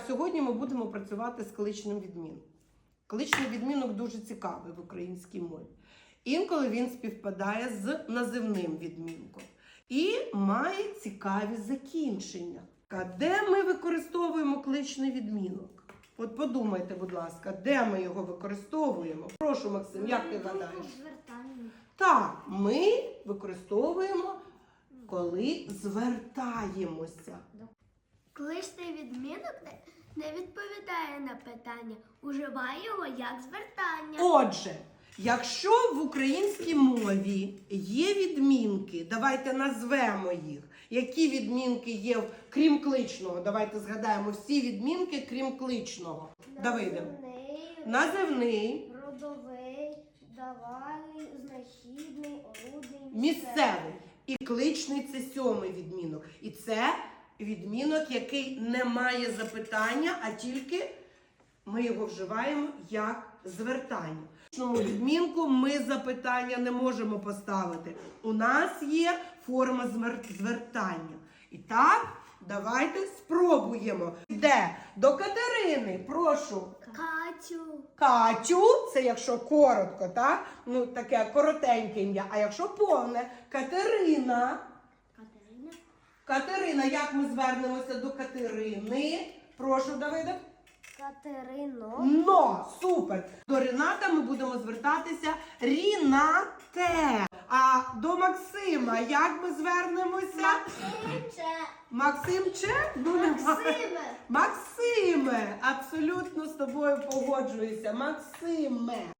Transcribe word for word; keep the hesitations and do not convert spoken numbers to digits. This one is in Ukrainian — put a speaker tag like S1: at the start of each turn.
S1: сьогодні ми будемо працювати з кличним відмінком. Кличний відмінок дуже цікавий в українській мові. Інколи він співпадає з називним відмінком і має цікаві закінчення. Де ми використовуємо кличний відмінок? От подумайте, будь ласка, де ми його використовуємо? Прошу, Максим, як ти гадаєш? Так, ми використовуємо, коли звертаємося.
S2: Кличний відмінок не відповідає на питання. Уживай його як звертання.
S1: Отже, якщо в українській мові є відмінки, давайте назвемо їх. Які відмінки є, крім кличного? Давайте згадаємо всі відмінки, крім кличного. Давиде.
S2: Називний,
S1: Називний,
S2: родовий, давальний, знахідний, орудний,
S1: місцевий. І кличний – це сьомий відмінок. І це відмінок, який не має запитання, а тільки ми його вживаємо як звертання. В кличному відмінку ми запитання не можемо поставити. У нас є форма звертання. І так, давайте спробуємо. Де? До Катерини, прошу.
S2: Катю.
S1: Катю, це якщо коротко, так? Ну, таке коротеньке ім'я. А якщо повне, Катерина.
S2: Катерина.
S1: Катерина, як ми звернемося до Катерини? Прошу, Давиде.
S2: Катерино.
S1: Но, супер. До Рената ми будемо звертатися Рінате. А до Максима як ми звернемося?
S2: Максимче.
S1: Максимче? Ну, немає.
S2: Максиме.
S1: Максиме. Абсолютно з тобою погоджуюся. Максиме.